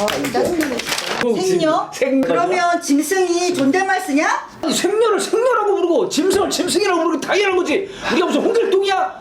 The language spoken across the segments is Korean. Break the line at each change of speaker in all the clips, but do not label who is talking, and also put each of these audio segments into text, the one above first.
짜증나네 진짜. 생녀? 그러면 짐승이 존댓말 쓰냐?
아니, 생녀를 생녀라고 부르고 짐승을 짐승이라고 부르는 게 당연한 거지. 우리가 무슨 홍길동이야?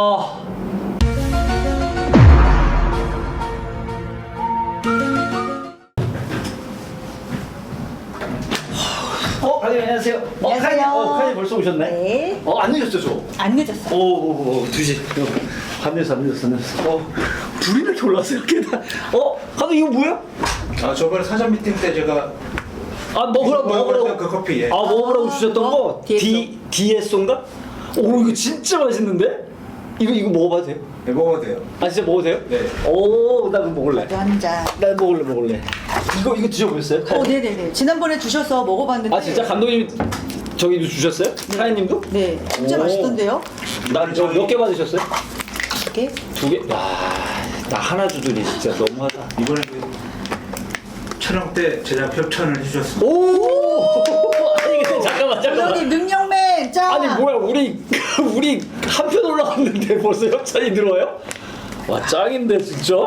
과장님 안녕하세요.
안녕하세요.
과장님 벌써 오셨네?
네.
안 늦었죠, 저?
안 늦었어.
2시. 안 늦었어. 불이 이렇게 올라왔어요, 계단. 과장님 이거 뭐야?
저번에 사전 미팅 때 제가
먹으라고.
그 커피. 예.
먹으라고 주셨던 거?
DSO.
DSO인가? 오, 이거 진짜 맛있는데? 이거 먹어봐도 돼요?
네, 먹어도 돼요.
진짜 먹어도 돼요?
네.
나 그거 먹을래.
나도 한 잔.
나 먹을래. 이거 드셔보셨어요?
네네네. 지난번에 주셔서 먹어봤는데.
진짜 감독님 저기도 주셨어요? 사장님도?
네. 진짜
오.
맛있던데요?
저 몇 개 받으셨어요?
이렇게?
2개? 나 하나 주더니 진짜 너무하다.
이번에 그 촬영 때 제작 협찬을 해주셨습니다.
오! 아니 근데 잠깐만.
감독님 능력맨 짱.
아니 뭐야 우리 한 편 올라갔는데 벌써 협찬이 들어와요? 와 짱인데 진짜?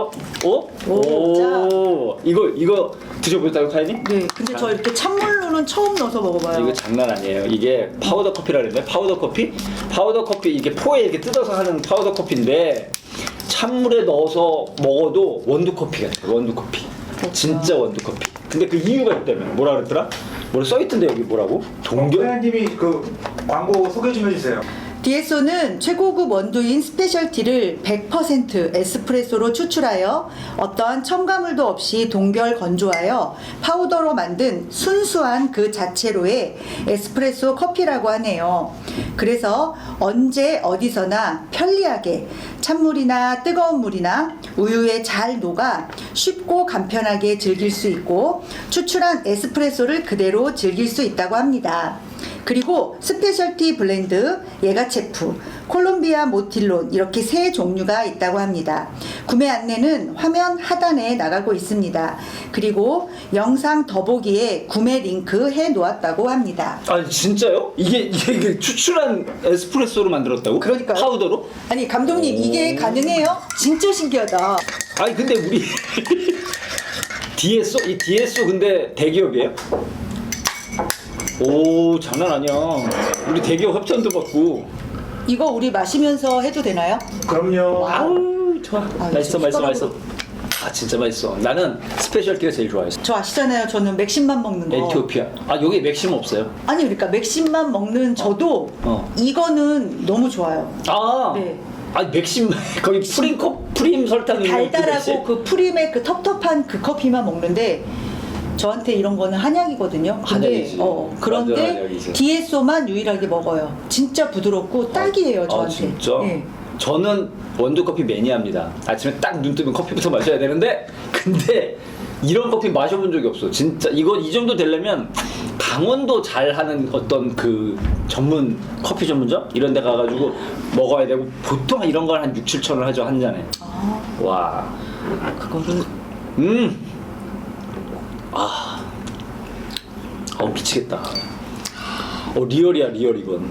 이거 드셔보셨다고 카이님?
네. 근데 저 이렇게 찬물로는 처음 넣어서 먹어봐요.
이거 장난 아니에요. 이게 파우더 커피라 그랬나요? 파우더 커피? 파우더 커피 이게 포에 이렇게 뜯어서 하는 파우더 커피인데 찬물에 넣어서 먹어도 원두 커피 같아요. 원두 커피. 진짜 원두 커피. 근데 그 이유가 있다며. 뭐라 그랬더라? 써있던데 여기 뭐라고? 동결?
회원님이 그 광고 소개 좀 해주세요.
DSO는 최고급 원두인 스페셜티를 100% 에스프레소로 추출하여 어떠한 첨가물도 없이 동결 건조하여 파우더로 만든 순수한 그 자체로의 에스프레소 커피라고 하네요. 그래서 언제 어디서나 편리하게 찬물이나 뜨거운 물이나 우유에 잘 녹아 쉽고 간편하게 즐길 수 있고 추출한 에스프레소를 그대로 즐길 수 있다고 합니다. 그리고 스페셜티 블렌드, 예가체프, 콜롬비아 모틸론 이렇게 세 종류가 있다고 합니다. 구매 안내는 화면 하단에 나가고 있습니다. 그리고 영상 더보기에 구매 링크 해 놓았다고 합니다.
아니 진짜요? 이게 추출한 에스프레소로 만들었다고?
그러니까요.
파우더로?
아니 감독님 이게 가능해요? 진짜 신기하다.
아니 근데 우리 이 DSO 근데 대기업이에요? 오 장난 아니야. 우리 대기업 협찬도 받고.
이거 우리 마시면서 해도 되나요?
그럼요.
아우 좋아. 맛있어.
숟가락으로.
진짜 맛있어. 나는 스페셜티가 제일 좋아했어.
저 아시잖아요. 저는 맥심만 먹는 거.
에티오피아. 여기 맥심 없어요.
아니 그러니까 맥심만 먹는 저도 이거는 너무 좋아요. 네.
아니 맥심 거기 프림 설탕 있는
달달하고 그 프림의 그 텁텁한 그 커피만 먹는데 저한테 이런 거는 한약이거든요. 근데
한약이지. 완전
그런데
한약이지.
DSO만 유일하게 먹어요. 진짜 부드럽고 딱이에요 저한테.
진짜?
네.
저는 원두커피 매니아입니다. 아침에 딱 눈 뜨면 커피부터 마셔야 되는데 근데 이런 커피 마셔본 적이 없어. 진짜 이 정도 되려면 강원도 잘하는 어떤 그 커피 전문점 이런 데 가가지고 먹어야 되고 보통 이런 걸 한 6-7천 원 하죠 한 잔에. 와.
그거를
미치겠다. 리얼이야 리얼 이건.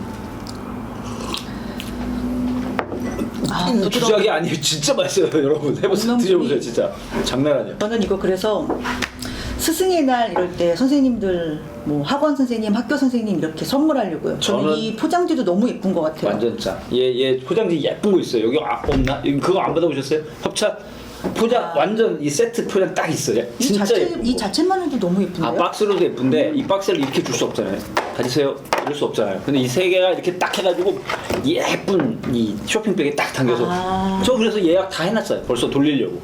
주작이 아니에요. 진짜 맛있어요 여러분. 해보세요. 드셔보세요 진짜. 장난 아니야.
저는 이거 그래서 스승의 날 이럴 때 선생님들 뭐 학원 선생님, 학교 선생님 이렇게 선물하려고요. 저는 이 포장지도 너무 예쁜 것 같아요.
완전 짱. 얘 포장지 예쁜 거 있어요. 여기 없나? 그거 안 받아보셨어요? 협찬? 포장 완전 이 세트 포장 딱 있어요. 진짜 예쁘고.
이 자체만 해도 너무 예쁜데요?
박스로도 예쁜데 이 박스를 이렇게 줄 수 없잖아요. 가지세요. 이럴 수 없잖아요. 근데 이 세 개가 이렇게 딱 해가지고 예쁜 이 쇼핑백에 딱 당겨서 저 그래서 예약 다 해놨어요. 벌써 돌리려고.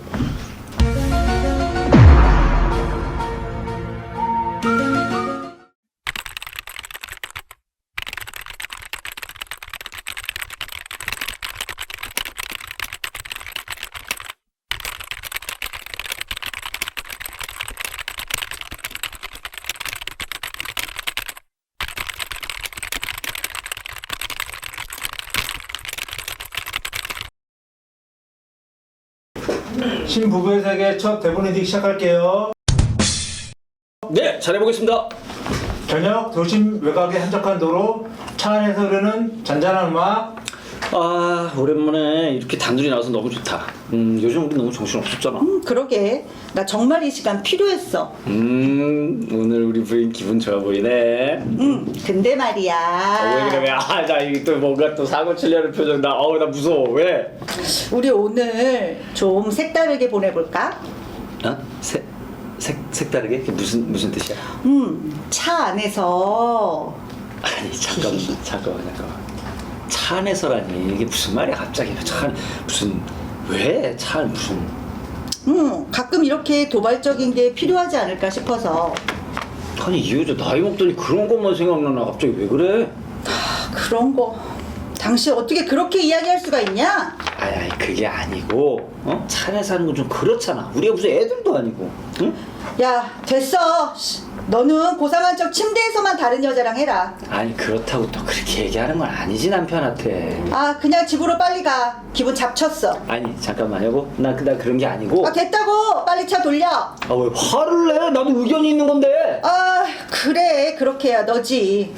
신부부의 세계 첫 대본 리딩 시작할게요.
네, 잘해보겠습니다.
저녁 도심 외곽의 한적한 도로 차 안에서 흐르는 잔잔한 음악
아 오랜만에 이렇게 단둘이 나와서 너무 좋다. 요즘 우리 너무 정신 없었잖아.
그러게. 나 정말 이 시간 필요했어.
오늘 우리 부인 기분 좋아 보이네.
근데 말이야.
왜 그래? 자 이게 또 뭔가 또 사고 치려는 표정 나. 나 무서워. 왜?
우리 오늘 좀 색다르게 보내볼까?
어? 색다르게? 그게 무슨 뜻이야?
차 안에서.
아니 잠깐만. 차 안에서라니 이게 무슨 말이야 갑자기? 차 안, 무슨 왜? 차 안 무슨?
가끔 이렇게 도발적인 게 필요하지 않을까 싶어서.
아니 이 여자 나이 먹더니 그런 것만 생각나나 갑자기 왜 그래?
그런 거. 당신 어떻게 그렇게 이야기할 수가 있냐?
아니 그게 아니고 차 안에 사는 건 좀 그렇잖아. 우리가 무슨 애들도 아니고. 응?
야, 됐어. 너는 고상한 척 침대에서만 다른 여자랑 해라.
아니 그렇다고 또 그렇게 얘기하는 건 아니지 남편한테.
아, 그냥 집으로 빨리 가. 기분 잡쳤어.
아니 잠깐만 여보. 나 그런 게 아니고.
아, 됐다고. 빨리 차 돌려.
아 왜 화를 내? 나도 의견이 있는 건데.
아, 그래. 그렇게 해야 너지.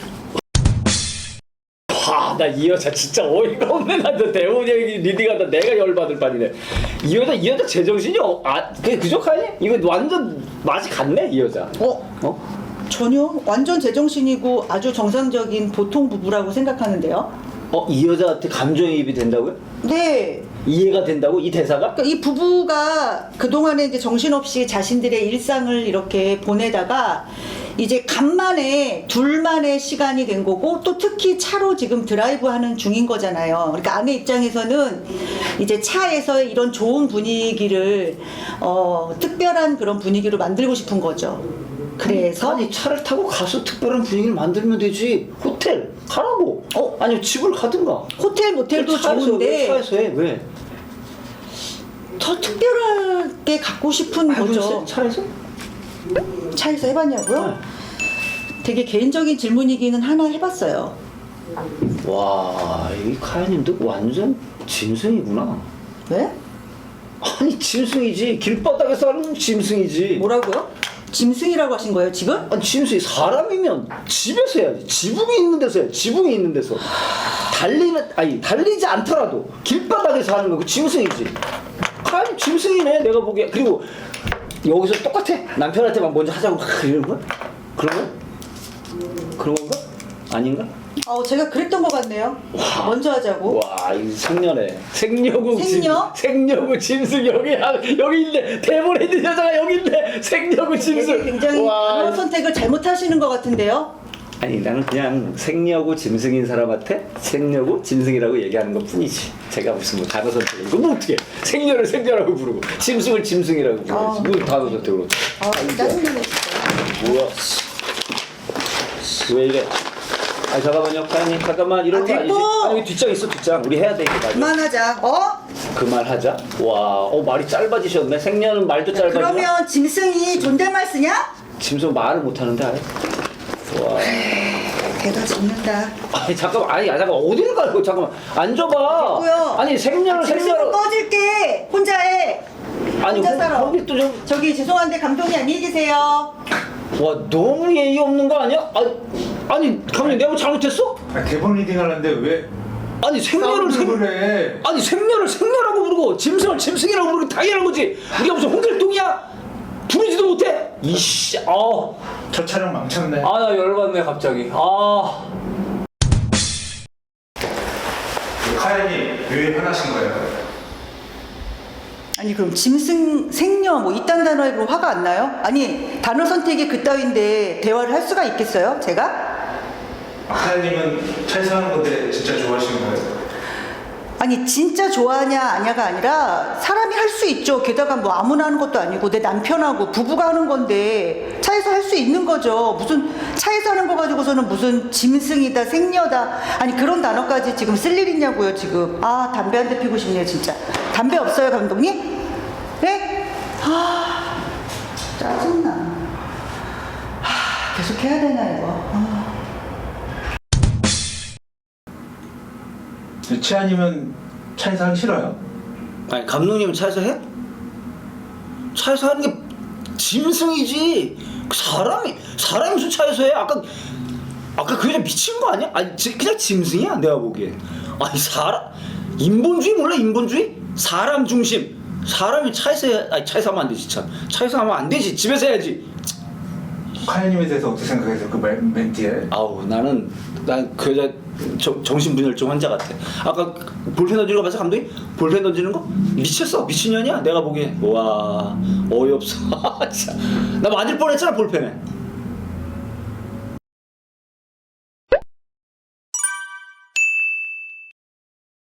나 이 여자 진짜 어이가 없네. 나도 대훈이 형이 리딩하다 내가 열받을 판이네. 이 여자 제정신이 그저 가니? 이거 완전 맛이 갔네 이 여자.
전혀. 완전 제정신이고 아주 정상적인 보통 부부라고 생각하는데요.
이 여자한테 감정이입이 된다고요?
네.
이해가 된다고? 이 대사가?
그러니까 이 부부가 그동안에 이제 정신없이 자신들의 일상을 이렇게 보내다가 이제 간만에 둘만의 시간이 된 거고 또 특히 차로 지금 드라이브 하는 중인 거잖아요. 그러니까 아내 입장에서는 이제 차에서 이런 좋은 분위기를 특별한 그런 분위기로 만들고 싶은 거죠. 그래서
아니 차를 타고 가서 특별한 분위기를 만들면 되지. 호텔 가라고. 아니면 집을 가든가.
호텔 모텔도
차에서
좋은데
왜 차에서 해? 왜?
더 특별하게 갖고 싶은 거죠.
차에서?
차에서 해봤냐고요?
네.
되게 개인적인 질문이기는 하나 해봤어요.
와, 이 카야님도 완전 짐승이구나.
왜?
아니 짐승이지. 길바닥에서 하는 짐승이지.
뭐라고요? 짐승이라고 하신 거예요 지금?
아니 짐승이 사람이면 집에서 해야지. 지붕이 있는 데서 해. 지붕이 있는 데서. 달리지 않더라도 길바닥에서 하는 거 그 짐승이지. 카야님 짐승이네 내가 보기에. 그리고 여기서 똑같아. 남편한테 막 먼저 하자고 막 이러는 거야? 그런 거야? 그런 건가? 아닌가?
제가 그랬던 것 같네요.
와.
먼저 하자고.
와, 이 생녀네. 생녀국
생녀?
생녀국 짐승 여기 있네. 대본에 있는 여자가 여기 있네. 생녀국 짐승.
되게 굉장히 그런 선택을 잘못하시는 것 같은데요.
아니 나는 그냥 생녀고 짐승인 사람한테 생녀고 짐승이라고 얘기하는 것 뿐이지. 제가 무슨 뭐 단어 선택을 이거 뭐 어떻게 생녀를 생녀라고 부르고 짐승을 짐승이라고 부르지. 뭐 단어 선택으로.
짜증나네 진짜.
뭐야? 왜 이래? 아니 잠깐만요, 카야님 잠깐만 이런 거 아니지?
됐고!
아니 여기 뒷장 있어 뒷장. 우리 해야 돼 이거 맞아.
그만하자.
그 말 하자. 와, 말이 짧아지셨네. 생년은 말도 짧아지나?
그러면 짐승이 존댓말 쓰냐?
짐승 말을 못 하는데 아예. 와.
대가 짖는다.
아니 잠깐만. 잠깐 어디를 가고 잠깐만. 앉아봐.
됐고요.
아니 생년을
짐승은
생년을.
꺼질게. 혼자 해.
아니
혼자 살아.
거기 또 좀.
저기 죄송한데 감독님 안녕히 계세요.
와 너무 예의 없는 거 아니야? 아니 감독님 내가 뭐 잘못했어?
대본 리딩 하는데 왜
아니 생년을
그래?
아니 생년을 생년라고 부르고 짐승을 짐승이라고 부르고 당연한 거지. 우리가 무슨 홍길동이야? 부르지도 못해. 이씨.
저 촬영 망쳤네.
나 열받네 갑자기.
카야님 왜 화나신 거예요?
아니 그럼 짐승, 생녀 뭐 이딴 단어로 화가 안 나요? 아니 단어 선택이 그따위인데 대화를 할 수가 있겠어요? 제가?
카야님은 차에서 하는 건데 진짜 좋아하시는 거예요?
아니 진짜 좋아하냐 아냐가 아니라 사람이 할 수 있죠. 게다가 뭐 아무나 하는 것도 아니고 내 남편하고 부부가 하는 건데 차에서 할 수 있는 거죠. 무슨 차에서 하는 거 가지고서는 무슨 짐승이다 생녀다 아니 그런 단어까지 지금 쓸 일 있냐고요 지금. 담배 한 대 피고 싶네요 진짜. 담배 없어요 감독님? 네? 짜증나. 계속 해야 되나 이거.
치아님은 차에서 하기 싫어요?
아니 감독님은 차에서 해? 차에서 하는 게 짐승이지. 사람이 무슨 차에서 해? 아까 그 여자 미친 거 아니야? 그냥 짐승이야 내가 보기엔. 아니 인본주의 몰라? 인본주의? 사람 중심. 사람이 차에서 하면 안 되지 참. 차에서 하면 안 되지. 집에서 해야지.
카야님에 대해서 어떻게 생각하세요? 그 멘트에.
아우 난 그 여자 정신분열증 환자 같아. 아까 볼펜 던지는 거 봤어 감독님? 볼펜 던지는 거? 미쳤어. 미친년이야 내가 보기에. 와 어이없어. 진짜. 나 맞을 뻔했잖아 볼펜에.